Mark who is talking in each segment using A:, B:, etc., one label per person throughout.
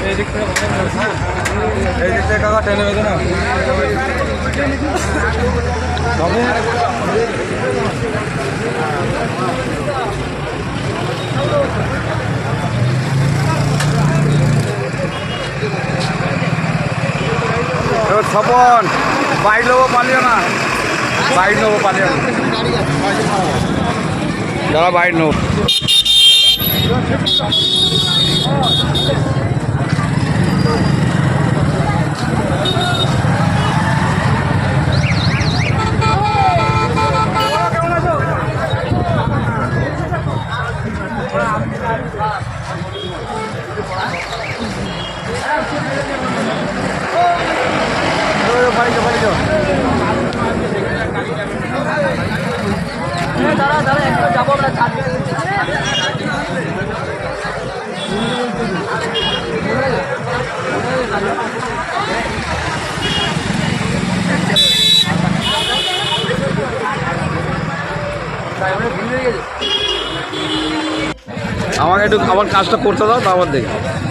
A: এই দিক থেকে কাকা টেনে বেঁধে না ছপন বাইক নেবো পালিও না, বাইক নেবো পালিও না, দাদা বাইক নেবো। আমাকে একটু আমার কাজটা করতে দাও, তারপর দেখি।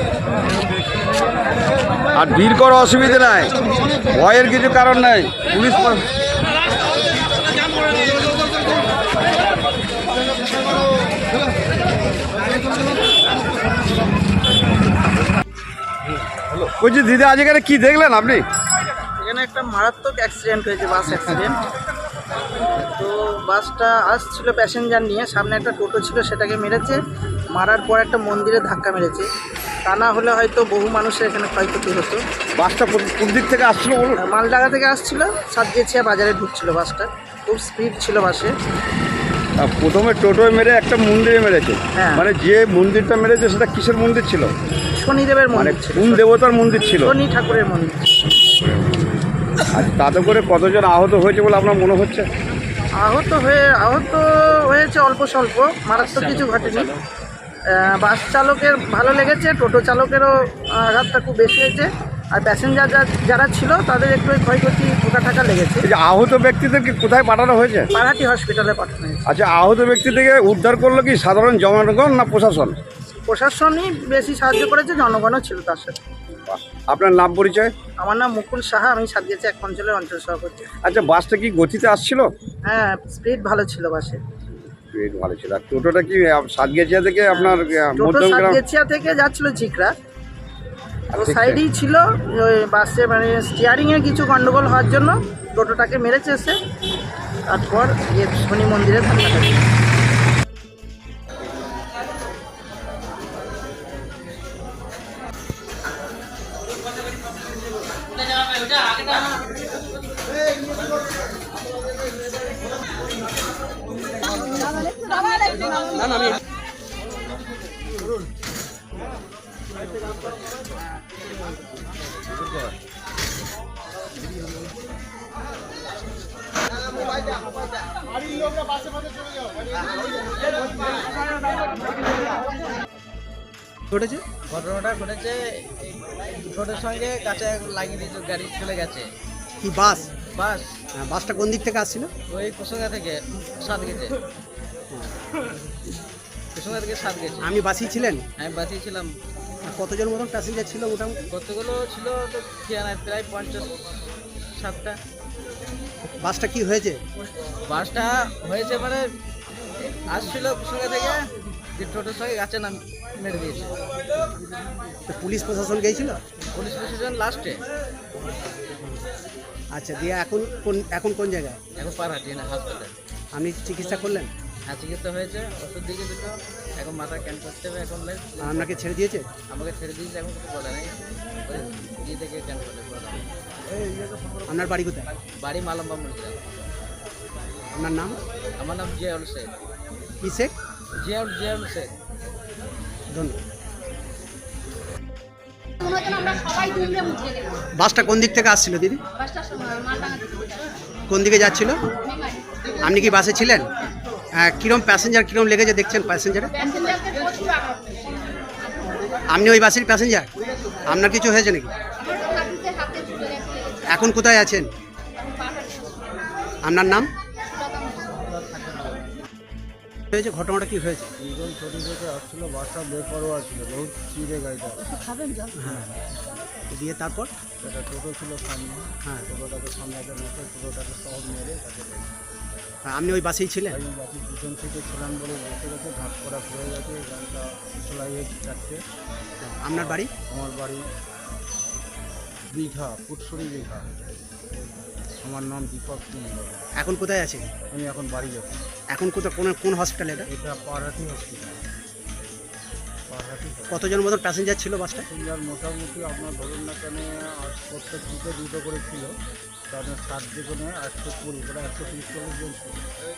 A: আর ভিড় করার অসুবিধা নাই, ভয়ের কিছু কারণ নাই। পুলিশ বলছি দিদি, আজ এখানে কি দেখলেন আপনি?
B: এখানে একটা মারাত্মক অ্যাক্সিডেন্ট হয়েছে, বাস অ্যাক্সিডেন্ট। তো বাসটা আসছিল প্যাসেঞ্জার নিয়ে, সামনে একটা টোটো ছিল, সেটাকে মেরেছে। মারার পর একটা মন্দিরে ধাক্কা মেরেছে। তা না হলে হয়তো বহু মানুষের এখানে ক্ষয়ক্ষতি হতো।
A: বাসটা কোন দিক থেকে আসছিল বলুন?
B: মালডাঙ্গা থেকে আসছিল, সাতগেছিয়া বাজারে ঢুকছিল বাসটা। খুব স্পিড ছিল বাসে।
A: প্রথমে টোটোয় মেরে একটা মন্দিরে মেরেছে।
B: হ্যাঁ।
A: মানে যে মন্দিরটা মেরেছে সেটা কিসের মন্দির ছিল?
B: শনিদেবের
A: মানে
B: মন্দির ছিল,
A: কোন দেবতার মন্দির ছিল?
B: শনি ঠাকুরের মন্দির।
A: আর তাতে করে কতজন আহত হয়েছে বলে আপনার মনে হচ্ছে?
B: আহত হয়েছে অল্প স্বল্প, মারাত্মক কিছু ঘটেনি। বাস চালকের ভালো লেগেছে, টোটো চালকেরও আঘাতটা খুব বেশি হয়েছে। আর প্যাসেঞ্জার যারা ছিল তাদের একটু ক্ষয়ক্ষতি ঠোকা লেগেছে।
A: এই যে আহত ব্যক্তিদেরকে কোথায় পাঠানো হয়েছে?
B: পাড়াটি হসপিটালে পাঠানো হয়েছে।
A: আচ্ছা, আহত ব্যক্তি থেকে উদ্ধার করলো কি সাধারণ জনগণ না প্রশাসন?
B: প্রশাসনই বেশি সাহায্য করেছে, জনগণও ছিল তার সাথে।
A: আপনার নাম পরিচয়?
B: আমার নাম মুকুল সাহা, আমি সাতগেছিয়া এক অঞ্চলের অঞ্চল সভাপতি।
A: আচ্ছা, বাসটা কি গতিতে আসছিল?
B: হ্যাঁ, স্পিড ভালো ছিল বাসে।
A: ভালো ছিল। আর টোটোটা কি সাতগেছিয়া থেকে আপনার
B: টোটো সাতগেছিয়া থেকে যাচ্ছিল চিকরা, তো সাইডেই ছিল। ওই বাসে মানে স্টিয়ারিংয়ে কিছু গন্ডগোল হওয়ার জন্য টোটোটাকে মেরেছে এসে। তারপর শনি মন্দিরে ধাক্কা খাচ্ছে।
C: ঘটনাটা ঘটেছে, টোটোর সঙ্গে কাছে লাগিয়ে দিয়েছে, গাড়ি চলে গেছে।
D: কি বাস?
C: বাস।
D: বাসটা কোন দিক থেকে আসছিল?
C: ওই কুসুঙ্গা থেকে সাত গেছে, কুসুঙ্গা থেকে সাত গেছে।
D: আমি বাসই ছিলেন?
C: আমি বাসিয়ে ছিলাম।
D: কতজন মতন প্যাসেঞ্জার ছিল মোটামুটি?
C: কতগুলো ছিল তো প্রায় 50-60টা।
D: বাসটা কি হয়েছে?
C: বাসটা হয়েছে মানে আসছিল কুসুঙ্গা থেকে, যে টোটোর সঙ্গে গাছে নাম মেরে দিয়েছে।
D: তো পুলিশ প্রশাসন গিয়েছিল?
C: পুলিশ প্রশাসন লাস্টে।
D: আচ্ছা, দিয়ে এখন কোন জায়গায়?
C: এখন পারহাটি না হাসপাতাল।
D: আপনি চিকিৎসা করলেন?
C: হ্যাঁ, চিকিৎসা হয়েছে, ওষুধ দিকে দুটো, এখন মাথা ক্যান করতে হবে। এখন
D: আপনাকে ছেড়ে দিয়েছে?
C: আমাকে ছেড়ে দিয়েছে, এখন কিছু বলে নাই। দিয়ে থেকে ক্যান করতে বলে।
D: আপনার বাড়ি কোথায়?
C: বাড়ি মালম্বা মরিচা।
D: আপনার নাম?
C: আমার নাম জিয়াউল শেখ।
D: কি শেখ?
C: জিয়াউল শেখ।
D: ধন্যবাদ। বাসটা কোন দিক থেকে আসছিল দিদি? কোন দিকে যাচ্ছিল? আপনি কি বাসে ছিলেন? কিরম প্যাসেঞ্জার কিরম লেগেছে দেখছেন প্যাসেঞ্জারে? আপনি ওই বাসের প্যাসেঞ্জার? আপনার কিছু হয়েছে নাকি? এখন কোথায় আছেন? আপনার নাম? হয়েছে, ঘটনাটা কি হয়েছে?
E: দুজন ছোটো থেকে আসছিল, বাসটা বেপরোয়া ছিল, বহুত চিড়ে গাড়িটা।
D: হ্যাঁ, দিয়ে তারপর?
E: একটা টোটো ছিল সামনে,
D: হ্যাঁ,
E: টোটোটাকে সামনে একটা নতুন টোটোটাকে সব মেরে তাকে
D: আপনি ওই বাসেই ছিলেন?
E: আমি বাকি পিছন থেকে ছিলাম বলে বসে গেছে, ভাগ করা হয়ে গেছে, গাড়িটা চলাই হয়েছে চারটে।
D: আপনার বাড়ি?
E: আমার বাড়ি দীঘা, ফুটসরি দীঘা। আমার নাম দীপক কুমার।
D: এখন কোথায় আছে?
E: আমি এখন বাড়ি যাচ্ছি।
D: এখন কোথায়, কোন হসপিটালে এটা?
E: এটা পাহাড়াটি হসপিটাল। পাহাড়াটি
D: কতজন মতন প্যাসেঞ্জার ছিল বাসটা?
E: প্যাসেঞ্জার মোটামুটি আপনার ধরুন না কেন প্রত্যেক দিকে দুটো করে ছিল, তাদের 7 দিকে নয় 120 করে 130-40 জন ছিল।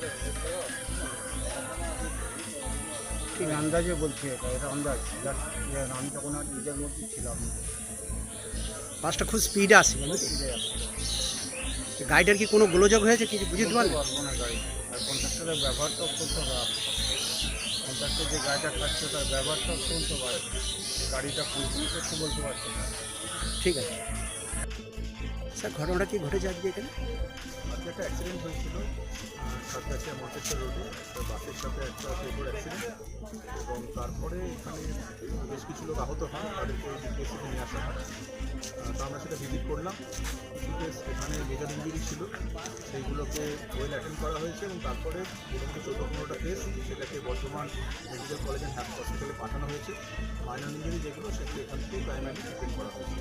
E: ঠিক আন্দাজে বলছি, এটা আন্দাজ, আমি তখন আর নিজের মধ্যে ছিলাম না।
D: বাসটা খুব স্পিডে আসছিল নাকি? গাড়িটার কি কোনো গোলযোগ হয়েছে কিছু বুঝতে পারলেন?
E: পারবো না গাড়ি, আর কন্ট্রাক্টরের ব্যবহারটা অত্যন্ত খারাপ। কন্ট্রাক্টর যে গাড়িটা খাচ্ছে তার ব্যবহারটা অত্যন্ত খারাপ। গাড়িটা কন্ট্রোল করতে বলতে পারছে না।
D: ঠিক আছে স্যার, ঘটনাটা কি ঘটেছে আজকে এখানে?
F: আজকে একটা অ্যাক্সিডেন্ট হয়েছিল সাতগাছিয়া মন্তেশ্বর রোডে, বাসের সাথে একটা টোটোর অ্যাক্সিডেন্ট, এবং তারপরে এখানে বেশ কিছু লোক আহত হয়, তাদেরকে ডিপিএসসিতে নিয়ে আসা হয়। তো আমরা সেটা ভিজিট করলাম। কিছু কেস এখানে মেজর ইঞ্জুরি ছিল, সেইগুলোকে ওয়েল অ্যাটেন্ড করা হয়েছে, এবং তারপরে মোটামুটি 14-15টা কেস সেটাকে বর্ধমান মেডিকেল কলেজ অ্যান্ড হসপিটালে পাঠানো হয়েছে। মাইনর ইঞ্জুরি যেগুলো সেগুলো এখান থেকে প্রাইমারি ট্রিটমেন্ট করা হয়েছে।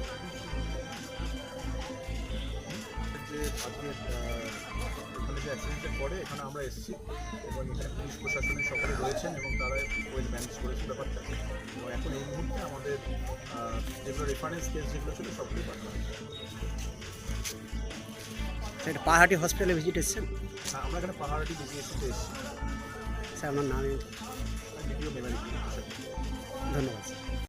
F: যে আজকে এখানে যে অ্যাক্সিডেন্টের পরে এখানে আমরা এসেছি, এবং এখানে পুলিশ প্রশাসনের সকলে রয়েছেন, এবং তারা ওয়েল ম্যানেজ করেছে ব্যাপারটা। এবং এখন এই মুহূর্তে আমাদের যেগুলো রেফারেন্স কেস যেগুলো ছিল সবগুলোই পাঠানো হয়েছে।
D: স্যার, পাহাড়ি হসপিটালে ভিজিট এসেছেন?
F: আমরা এখানে পাহাড়াটি ডিপিএসসিতে এসেছি,
D: স্যার, আমার নাম?
F: দ্বিতীয় মেমারি।